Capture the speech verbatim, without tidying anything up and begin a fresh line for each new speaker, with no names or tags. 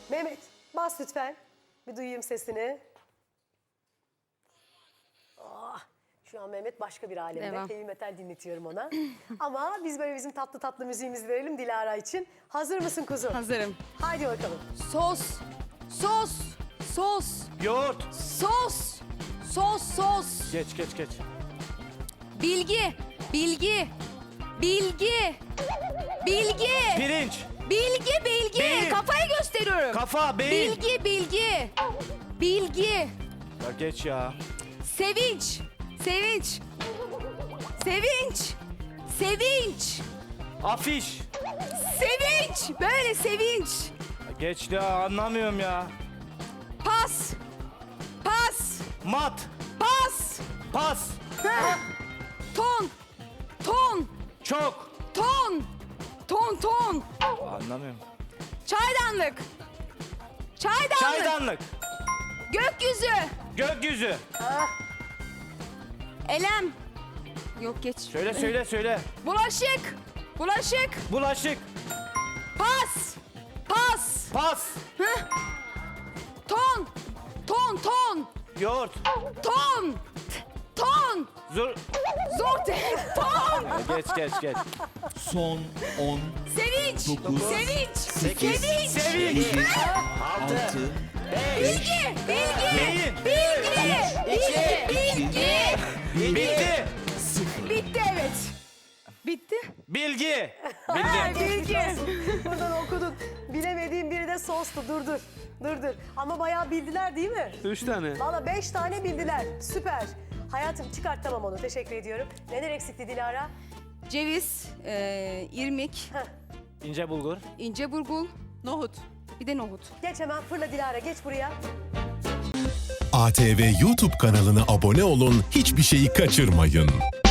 Mehmet bas lütfen. Bir duyayım sesini. Oh, şu an Mehmet başka bir alemde.
Devam.
Heavy metal dinletiyorum ona. Ama biz böyle bizim tatlı tatlı müziğimizi verelim Dilara için. Hazır mısın kuzum?
Hazırım.
Haydi bakalım.
Sos, sos, sos,
Yoğurt.
sos, sos, sos.
Geç geç geç.
Bilgi, bilgi, bilgi, bilgi,
Pirinç.
bilgi, bilgi.
Beyin.
Kafayı gösteriyorum.
Kafa, beyin.
Bilgi, bilgi, bilgi.
Ya geç ya.
Sevinç, sevinç, sevinç, sevinç,
Afiş.
sevinç. Böyle sevinç.
Ya geç ya, anlamıyorum ya.
Pas, pas,
Mat.
pas.
Pas.
Heh. Ton, ton,
Çok.
ton, ton, ton.
Anlamıyorum.
Çaydanlık, çaydanlık.
Çaydanlık.
Gökyüzü,
Gökyüzü.
elem. Yok geç.
Söyle söyle söyle.
Bulaşık, bulaşık.
Bulaşık.
Pas, pas.
Pas.
Heh. Ton, ton, ton,
Yoğurt.
ton, ton.
Zur.
Zor değil, ton.
Ya geç geç geç.
Son on,
Sevinç,
Dokuz,
sevinç,
sekiz,
sevinç.
Sevinç.
altı,
Bilgi, bilgi,
Beyin.
bilgi, bilgi, bilgi.
Bitti.
sıfır.
Bitti evet. Bitti.
Bilgi.
Ha,
Bildim.
bilgi.
Buradan okudun. Bilemediğim biri de sostu. Dur dur. Dur dur. Ama bayağı bildiler değil mi?
Üç tane.
Valla beş tane bildiler. Süper. Hayatım çıkart tamam onu. Teşekkür ediyorum. Neler eksikti Dilara?
Ceviz, e, irmik,
İnce bulgur.
ince burgul, nohut. Bir de nohut.
Geç hemen fırla Dilara. Geç buraya.
A T V YouTube kanalına abone olun, hiçbir şeyi kaçırmayın.